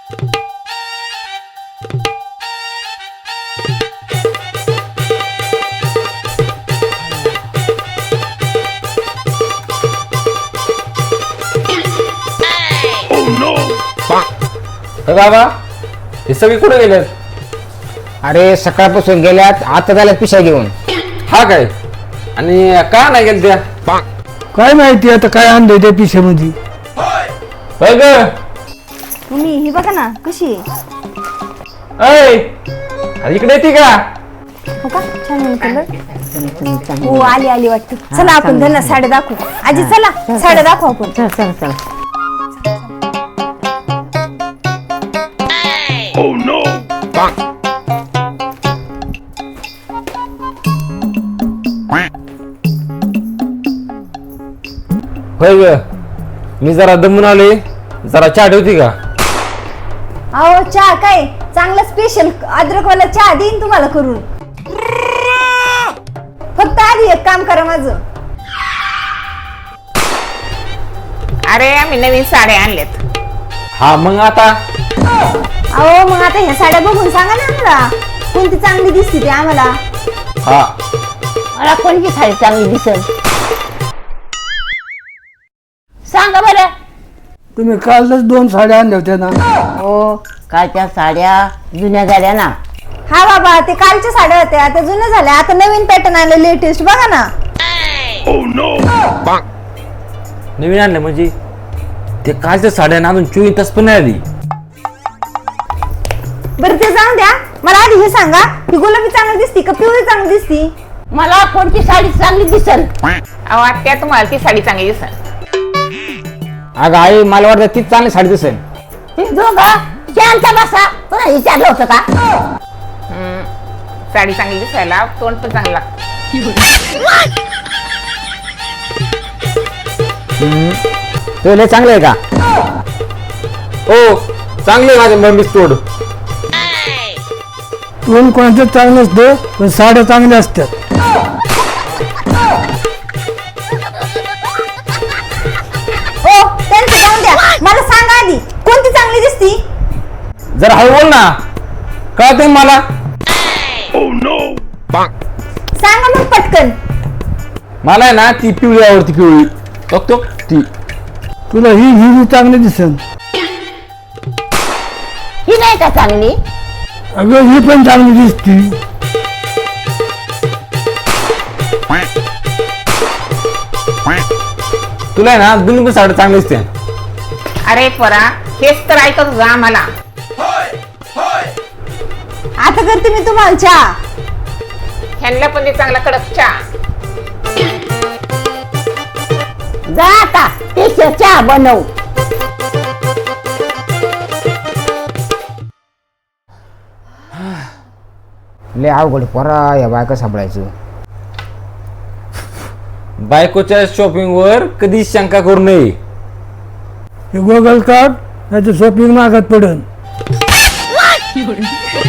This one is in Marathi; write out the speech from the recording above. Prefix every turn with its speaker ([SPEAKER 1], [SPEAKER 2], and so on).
[SPEAKER 1] बाबा हे सगळे कुठे गेलेत?
[SPEAKER 2] अरे सकाळपासून गेल्यात, आता झाल्यात पिशा घेऊन.
[SPEAKER 1] हा काय? आणि का नाही गेल त्या?
[SPEAKER 3] काय माहिती आता काय आणलंय त्या पिशेमध्ये.
[SPEAKER 1] होय ग.
[SPEAKER 4] तुम्ही ही बघा ना कशी आहे.
[SPEAKER 1] अय अरे इकडे येते का?
[SPEAKER 4] हो का छान आहे कलर. हो आली आली वाटते. चला आपण त्यांना साड्या दाखवू. आजी चला साड्या दाखवू आपण.
[SPEAKER 5] चल चल चल.
[SPEAKER 1] होय ग. मी जरा दमून आले, जरा चहा ठेवती का?
[SPEAKER 4] अहो चहा काय चांगला स्पेशल अद्रकवाला चहा देईन तुम्हाला करून. फक्त आधी एक काम करा माझं.
[SPEAKER 5] अरे आम्ही नवीन साड्या आणल्यात.
[SPEAKER 1] हा मग आता
[SPEAKER 4] अहो मग आता ह्या साड्या बघून सांगा ना आम्हाला कोणती चांगली दिसते ते आम्हाला.
[SPEAKER 1] हा
[SPEAKER 5] मला कोणती साडी चांगली दिसेल सांगा बरं.
[SPEAKER 3] तुम्ही कालच 2 साड्या आणल्या होत्या ना.
[SPEAKER 5] हो कालच्या साड्या जुन्या झाल्या ना.
[SPEAKER 4] हा बाबा ते कालच्या साड्या होत्या त्या जुन्या झाल्या. आता नवीन पॅटर्न आले लेटेस्ट बघा ना.
[SPEAKER 1] नवीन आणलं म्हणजे ते कालच्या साड्या ना अजून 24 तास पण नाही आली.
[SPEAKER 4] बरं ते जाऊन द्या. मला आधी हे सांगा ही गुलाबी चांगली दिसती का पिवळी चांगली दिसती.
[SPEAKER 5] मला कोणती साडी चांगली दिसेल. अहो आत्या तुम्हाला ती साडी चांगली दिसेल.
[SPEAKER 2] अगं आई मला वाटतं तीच चांगली साडी दिसेल.
[SPEAKER 5] दोघा शांत बसा. तुला विचारलं होतं का? साडी चांगली दिसायला तोंड पण चांगलं लागतं.
[SPEAKER 2] तो लय चांगलं आहे का?
[SPEAKER 1] हो चांगले माझे मम्मीच तोड.
[SPEAKER 3] तोंड कोणाचं चांगलं असतं पण साड्या चांगल्या असतात.
[SPEAKER 4] ओ त्यांचं जाऊन द्या. मला सांगा आधी कोणती चांगली दिसती.
[SPEAKER 1] जरा हळू बोल ना, कळते मला.
[SPEAKER 4] सांगा मग पटकन.
[SPEAKER 1] मला आहे ना ती पिवळी आवडती, पिवळी बघतो ती.
[SPEAKER 3] तुला ही चांगली दिसेल.
[SPEAKER 5] ही नाही का चांगली?
[SPEAKER 3] अगं ही पण चांगली दिसती.
[SPEAKER 1] तुला आहे ना दोन्ही पण साड्या चांगली दिसते.
[SPEAKER 5] अरे परा हेच तर ऐकत जा मला.
[SPEAKER 4] आता करते मी तुम्हाला चहा.
[SPEAKER 5] ह्यांना पण ते चांगला कडक चहा. जा आता ते चहा बनव.
[SPEAKER 2] लय अवघड पोरा या बायका सांभाळायचं.
[SPEAKER 1] बायकोच्या शॉपिंग वर कधी शंका करू नये.
[SPEAKER 3] हे गोगल काढ नाही तर शॉपिंग मागत पडन.